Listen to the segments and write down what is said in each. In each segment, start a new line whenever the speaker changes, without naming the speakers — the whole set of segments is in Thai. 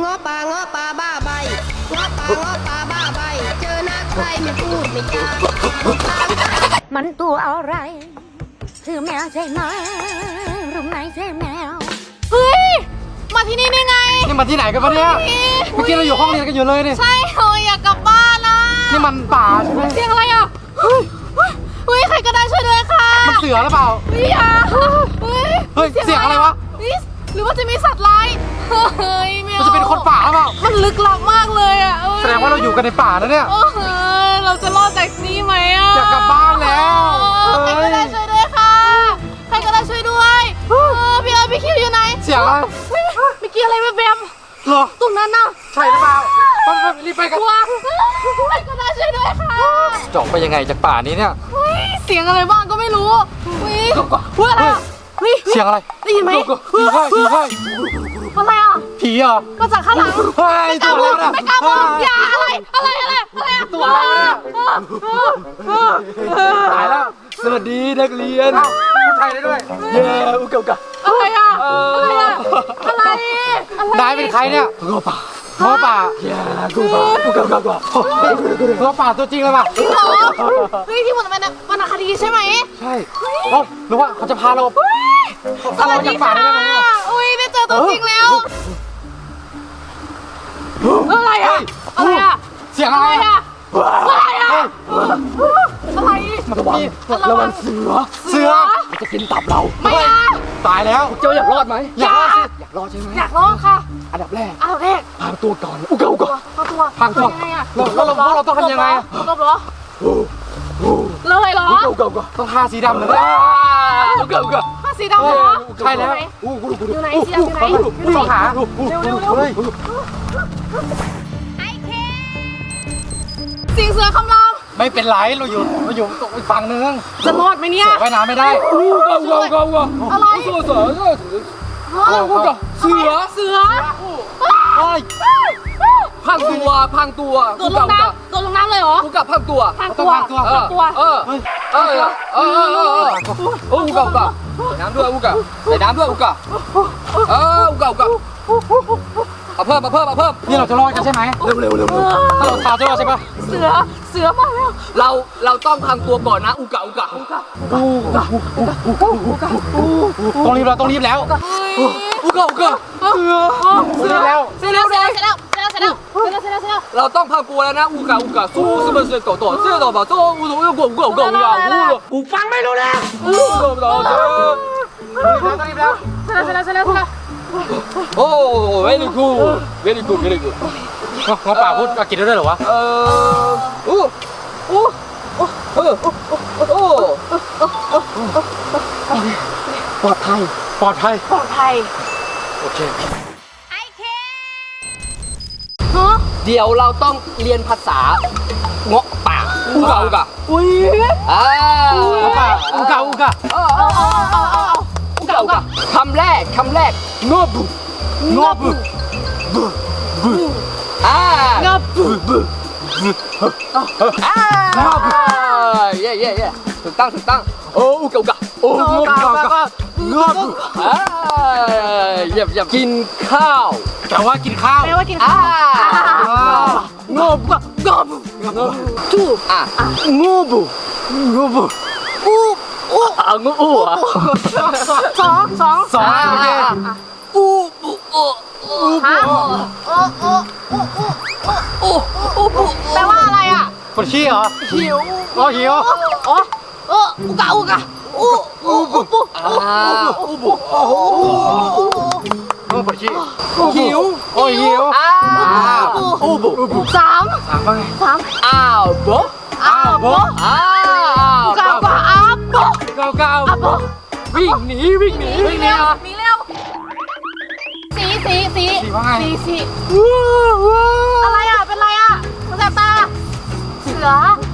ง้อป่าบ้าใบง้อป่าบ้าใบเจอหน้าใครไม่พูดไม่จา
มันตัวอะไรคือแมวใช่ไหมรู้ไหมใช่แมวเฮ้ยมาที่นี่ได้ไง
นี่มันที่ไหนกันวะเนี่ยเมื่อกี้เราอยู่ห้องเรียนกันอยู่เลยนี่
ใช่เฮ้ยอยากกลับบ้านนะ
นี่มันป่าใช่ไหม
เสียงอะไรอ่ะเฮ้ยใครก็ได้ช่วยด้วยค่ะ
มันเสือหรือเปล่า
เฮ้ย
เสียงอะไรวะ
หรือว่าจะมีสัตว์ร้ายเฮ้ยแมว
มันจะเป็นคนป่าหรือเปล่า
มันลึกลับมากเลยอ่ะ
แสดงว่าเราอยู่กันในป่าแล้วเนี่ย
เราจะรอดจากนี้ไหมอ่ะ
อยากกลับบ้านแล้ว
ใครก็ได้ช่วยด้วยค่ะใครก็ได้ช่วยด้วยพี่คิวอยู่ไหน
เสียงอะไร
ไม่เกี่ยวอะไรแบม
เหรอ
ตรงนั้นน่ะ
ใช่หรือเปล่ารีบไปกัน
ใครก็ได้ช่วยด้วยค่ะ
จะออกไปยังไงจากป่านี้เนี่ย
เสียงอะไรบ้างก็ไม่รู้อะไร
เสียงอะไร
ได้ยินไหม
ผีใช่
อะไรอ่ะ
ผีเหรอ
มาจากข้างหลัง
ไม่กล้าพูด
ไม่กล้าพูดอย่าอะไร
ตัวอะไรตายแล้วสวัสดีนักเรียนพูดไทยได้ด้วยเย้อุกะ
อะไรอ่ะ
นายเป็นใครเนี่ยง้อป่าเย้อุกะง้อป่าตัวจริงเลยป่ะ
จริงเหรอที่หมดเป็นวรรณคดีใช่ไหม
ใช่หรือว่าเขาจะพาเราจากป่าได้ไหม
ได้เจอตัวจริงแล้วอะไรอ่ะ
เสียงอะไร
อ่ะอะไร
ระวังเสือมันจะกินตับเรา
ไม่
ตายแล้วเจ้าอยากรอดไหมอยากรอดใช่ไหม
อยากรอดค่ะ
อันดับแรก
พาง
ตัวก่อนอุกะพังตัว
ยังไงอ่ะ
เราต้องทำยังไง
ลบเหรอเลยเหรอ
ต้องทาสีดำเลย
ทาสีดำเหรอ
ใช่แล้ว
อยู่ไหนสีดำอยู่ไหน
ต้องหา
เร็วไอเคสิงเสือคำราม
ไม่เป็นไรเราอยู่ตรงอีกฝั่งนึง
จะรอดไหมเนี่ย
ว่ายน้ำไม่ได้
อะไรเสือ
พังตัว
โดนลงน้ำเลยเหรอ
อุกะพังตัวอุกะน้ำด้วยอุกะใส่น้ำด้วยอุกะอุกะเอาเพิ่มนี่เราจะรอดกันใช่ไหมเร็วถ้าเราทาจะรอดใช่ปะ
เสือมา
แล้วเราต้องพังตัวก่อนนะอุกะต้องรีบแล้วอุกะเสือแล้ว
เสร็จแล้ว
เราต้องพังตัวแล้วนะอุกะสู้是不是狗知道吧กูฟังไม่รู้แล้วต้องรีบแล้ว
เสร็จแล้ว
โอ้ very good ง้อป่าพูดอังกฤษได้ด้วยเหรอวะปลอดภัยโอเคเดี๋ยวเราต้องเรียนภาษาเงาะป่าอุกะ
อุ้ย
อุกะคำแรกงอบุเย่ถูกต้องโอ้อุกะงอบุเยี่ยมกินข้าวแปลว่ากินข้าวงอบุทูงอบุงู
สอง
โอเค
แปลว่าอะไรอ่ะ
ปวดขี้เหรอ
หิวอุกะ
ปวดขี้หิว
สาม
อ้าวโบวิ่งหนีเ
ร็วสีอะไรอ่ะเป็นไรอ่ะมันแสบตาเสือ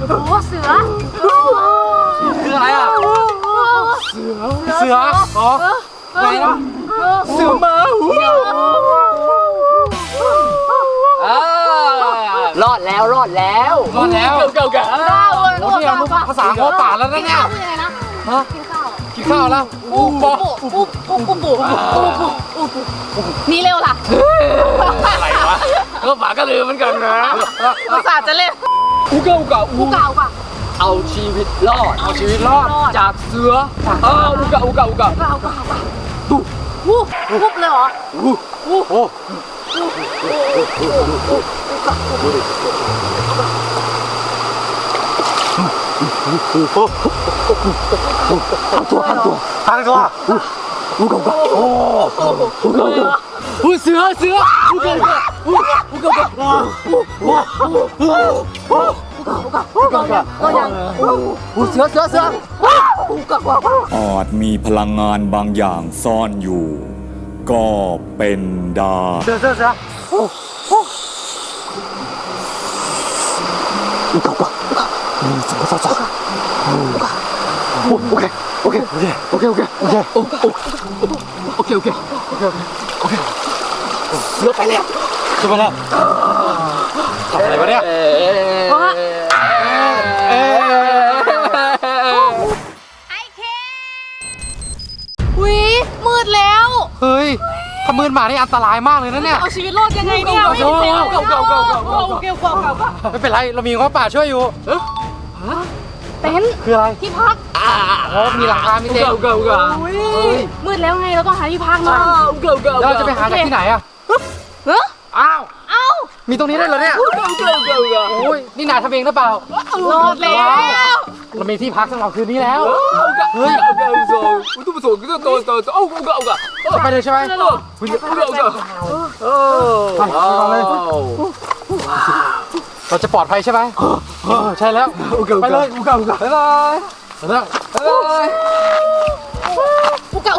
คืออะไรอ่ะเสืออะไรนะเสือมารอดแล้ว
เก่า
โอ้ที่เรารู้ภาษาง้อป่าแล้วนะเนี่ยกินข้าวแล้ว
นี่เร็วล่ะ
อะไรวะหมาก็ลืมเหมือนกันนะ
อุตส่าห์จะเล่น
อุกะอุกะ
กูเก่าป่ะ
เอาชีวิตรอด
เอาชีวิตรอด
จากเสืออุกะอุกะอุกะ
เก่าวูบวุบเลยเหรอ
โอ้ อุกะอุกะโอ้อุกะอุกะเสืออุกะอุกะอุกะอุกะเสือ
อาจมีพลังงานบางอย่างซ่อนอยู่ ก็เป็นได้
เสืออุกะอุกะโอเคเสือไปแล้วทำอะไรวะเนี่ย
วิมืดแล้ว
เฮ้ยขมืนหมานี่อันตรายมากเลยนะเนี่ย
เอาชีวิตรอดยังไงเนี่ยไม่เก่า
ไม่เป็นไรเรามีง้อป่าช่วยอยู่
เต็นท์
คืออะไร
ที่พัก
มีหลังคามีเต็นท์
มืดแล้วไงเราต้องหาที่พักหน่อย
แล้วเราจะไปหาจากที่ไหนอะ
เฮ้ย
อ้าว
เอ้า
มีตรงนี้ได้เหรอเนี่ยโอ้ยนี่นายทำเองหรือเปล่าร
อดแล้ว
เรามีที่พักสำหรับคืนนี้แล้วเฮ้ยไปเลยใช่ไหมเราจะปลอดภัยใช่ไหมใช่แล้วไปเลยบ๊ายบาย
อุกะ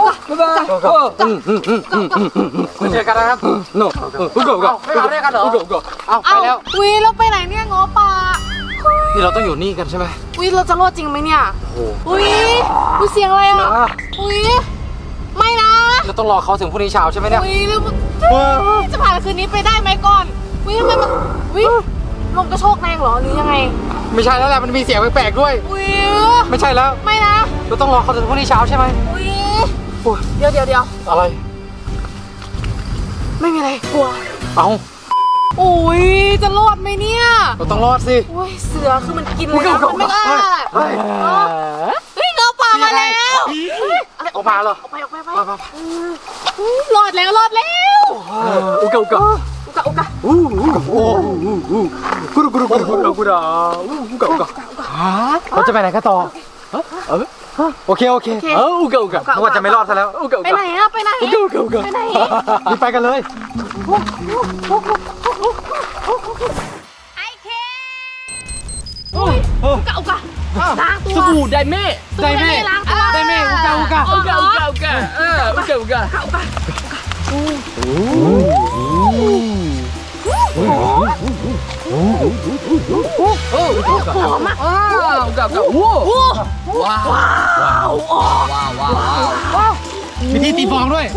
เจอกันนะครับไม่มาด้วยกันเหรอเอาไปแล้ว
วิเราไปไหนเนี่ยง้อป่า
นี่เราต้องอยู่นี่กันใช่ไหม
วิเราจะรอดจริงไหมเนี่ยวิเสียงอะไรอ่ะวิไม่นะ
เราต้องรอเขาถึงพรุ่งนี้เช้าใช่ไหมเนี่ย
วิจะผ่านคืนนี้ไปได้ไหมก่อนวิทำไมมันวิลมกระโชกแรงเหรอหรือยังไง
ไม่ใช่แล้วแหละมันมีเสียงแปลกๆด้วย
วิ
ไม่ใช่แล้ว
ไม่นะ
เราต้องรอเขาถึงพรุ่งนี้เช้าใช่ไหม
วิเดี๋ยว
อะไร
ไม่มีอะไรกลัว
เอา
โอ้ยจะรอดไหมเนี่ย
เราต้องรอดสิ
โอ้ยเสือคือมันกินเลยนะมันไม่กล้าเฮ้ยเงาป่ามาแล้ว
ออกมาเหรอ
ไปรอดแล้ว
อุกะเราจะไปไหนกันต่อโอเคอุกะนึกว่าจะไม่รอดซะแล้ว
ไปไหนอะไปไหน
ไปไหนรีบไปกันเลย
อุกะล้างตัว
สบู่ไดเม่
ล้างตัว
ไดเม่อุกะอุกะ
หอมมาก
ว้าวมีที่ตีฟองด้วย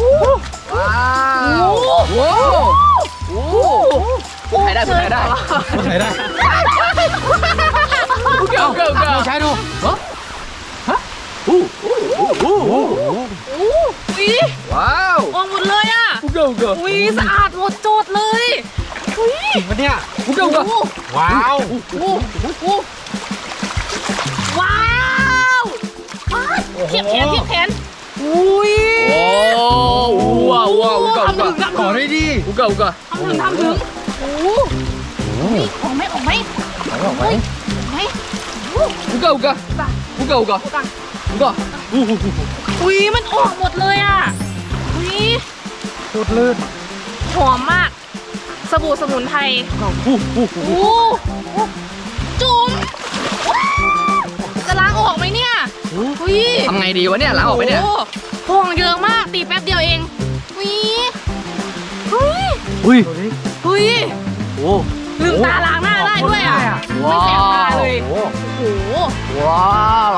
ถ่ายได้ใช้ดูว้าว
ออกหมดเลยอ่ะอุ้ยสะอาดหมดโจทย์เลยอุ้ย
จริงปะเนี่ยว้าว
เทียบแขนอุ้ย
ว้าว
ทำถึง
ขอได้ดิอุกะ
ทำถึงโอ้ออกไหม
อุกะ
อุ้ยมันออกหมดเลยอ่ะอุ้ย
พูดลื่น
หอมมากสบู่สมุนไพรจุ๋มจะล้างออกไหมเนี่ยอุ้ย
ทำไงดีวะเนี่ยล้างออกไหมเนี่ย
ฟองเยอะมากตีแป๊บเดียวเองอุ้ยลืมตาล้างหน้าได้ด้วยอ่ะไม่แสบตาเลยโอ้โห
ว้าว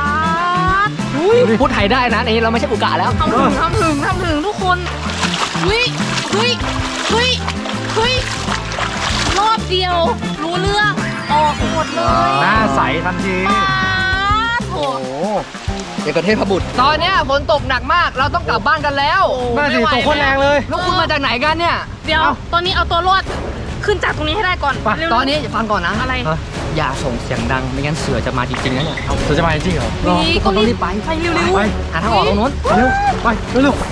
พูดไทยได้นะนี่เราไม่ใช่อุกะแล้ว
ทำถึงทุกคนเฮ้ยรอบเดียวรู้เรื่องออกหมดเลย
หน้าใสทันที
โอ้โห
เอกเทพบุตรตอนนี้ฝนตกหนักมากเราต้องกลับบ้านกันแล้วน่าสิตกโคตรแรงเลยแล้วคุณมาจากไหนกันเนี่ย
เดี๋ยวตอนนี้เอาตัวรอดขึ้นจากตรงนี้ให้ได้ก่อน
ไป
เร็วๆ
ตอนนี้อย่าฟังก่อนนะ
อะไร
อย่าส่งเสียงดังไม่งั้นเสือจะมาจริงๆนะเนี่ยเสือจะมาจริงเหรอ
นี่
ทุกคนต้องรีบไป
ไปเร็วๆ
ไปหาทางออกตรงนู้นเร็วไปเร็ว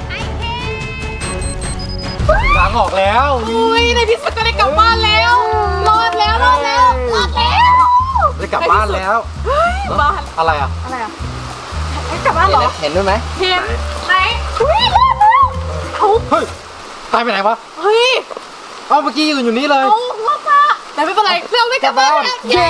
ทางออกแล้ว
อุ้ยในที่สุดก็ได้กลับบ้านแล้ว รอดแล้ว
ได้กลับบ้านแล้ว
บ้าน
อะไรอ่ะ
อะไรอ่ะให้กลับบ้านเหรอ
เห็นด้วยไหม
เห็นไหนอุ้ยรอดแล้วเขา
เฮ้ยตายไปไหนวะ
เฮ้ย
เอาเมื่อกี้อยู่นี่เลย
เอารอดละแต่ไม่เป็นไรเราได้กลับบ้านแล้ว
เย้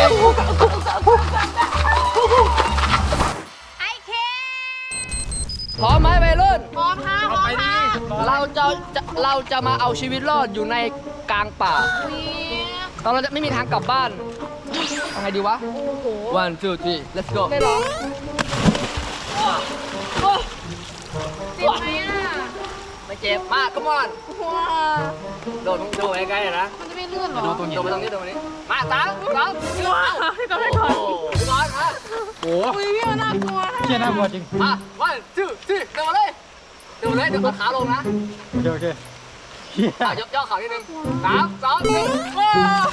พร้อมไหมวัยรุ่น
พร้อมค่ะพร้อมค่ะ
เราจะมาเอาชีวิตรอดอยู่ในกลางป่าตอนเราจะไม่มีทางกลับบ้านทำไงดีวะ
โอ้โห
one two three let's go
ได้หรอเจ็บไหมอ่ะ
ไม่เจ็บมาก come on
ว้า
โดดใกล้ๆนะ
มันจะไม่เลื่อนหรอ
โดดไปตรงนี้มาสามสอง
ว้าพี่ก่อนพี่ก่อน
พี่น้อยมาโอ้
อุ้ยพี่มันน่ากลัวนะ
เชี่ยน่ากลัวจริงมา one two three เดินมาเลยเดี๋ยวเอาขาลงนะ
โอเค
ย่อขานิดนึงสามสองหนึ่งว้าว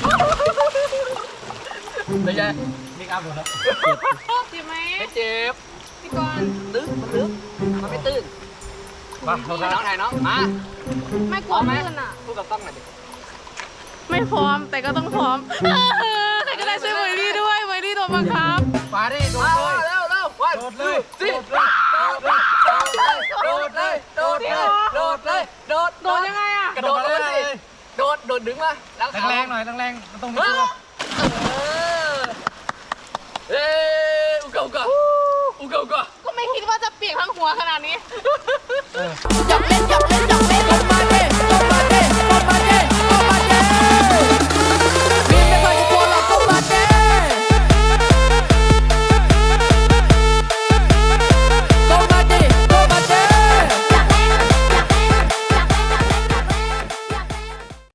เป็นไง
นี่ครับผมครับ
เจ็บไหม
ไม่เจ็บ
พี่ก่อน
ตื้นมันลึกมันไม่ตื้น
มา
น้องถ่ายน้องมา
ไม่กลัวเลื่อนอ่ะ
พูดกับกล้องหน่อยดิ
ไม่พร้อมแต่ก็ต้องพร้อมใครก็ได้ช่วยเมย์รี่ด้วยเมย์รี่โดนบังคับ
มาดิโดด
มา
เลย
เร็ววัน
โดดเลย
สิ โดดเลยโดดเลย
โดนยังไงอ่ะ
กระโดดเลยสิโดดดึงมาแล้ว
แรงๆหน่อยแรงๆมันต้องมีตัว
เอ้อุกะ
ก็ไม่คิดว่าจะเปียกทั้งหัวขนาดนี้
หยอกเล่น